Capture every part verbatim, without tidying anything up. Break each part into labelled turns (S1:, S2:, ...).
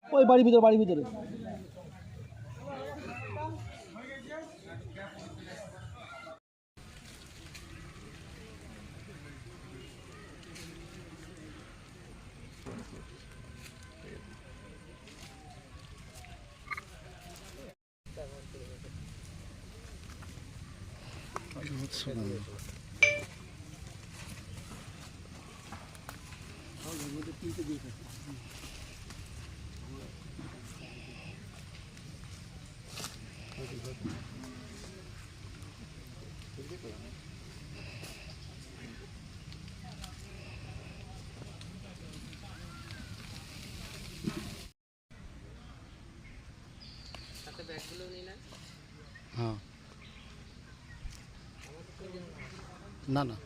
S1: ওই বাড়ির ভিতরে বাড়ির ভিতরে
S2: हाँ ना ना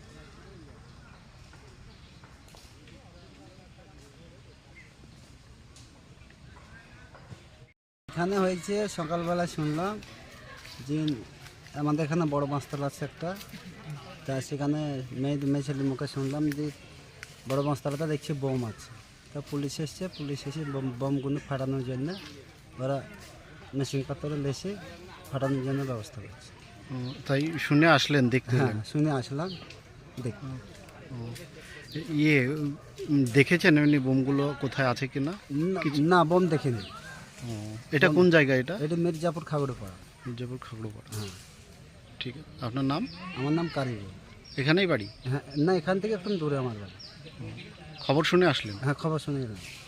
S3: এখানে হয়েছে সকালবেলা শুনলাম যে আমাদের এখানে বড় বাঁশতলা আছে একটা, তা সেখানে মেয়ে মেয়ে ছেলের মুখে শুনলাম যে বড় বাঁশতলাতে দেখছি বোম আছে। তা পুলিশ এসছে, পুলিশ এসে বোম বোমগুলো ফাটানোর জন্য ওরা মেশিন পাথরে লেসে ফাটানোর জন্য ব্যবস্থা করছে।
S2: ও, তাই শুনে আসলেন দেখতে?
S3: হ্যাঁ, শুনে আসলাম দেখ।
S2: ইয়ে উম, দেখেছেন এমনি বোমগুলো কোথায় আছে কিনা?
S3: না, বোম দেখিনি।
S2: ও, এটা কোন জায়গা? এটা
S3: এটা মির্জাপুর খাগড়াপাড়া।
S2: মির্জাপুর খাগড়াপাড়া।
S3: হ্যাঁ।
S2: ঠিক আছে, আপনার নাম?
S3: আমার নাম কারিগর।
S2: এখানেই বাড়ি?
S3: হ্যাঁ, না, এখান থেকে একটু দূরে আমার বাড়ি।
S2: খবর শুনে আসলেন?
S3: হ্যাঁ, খবর শুনে এলাম।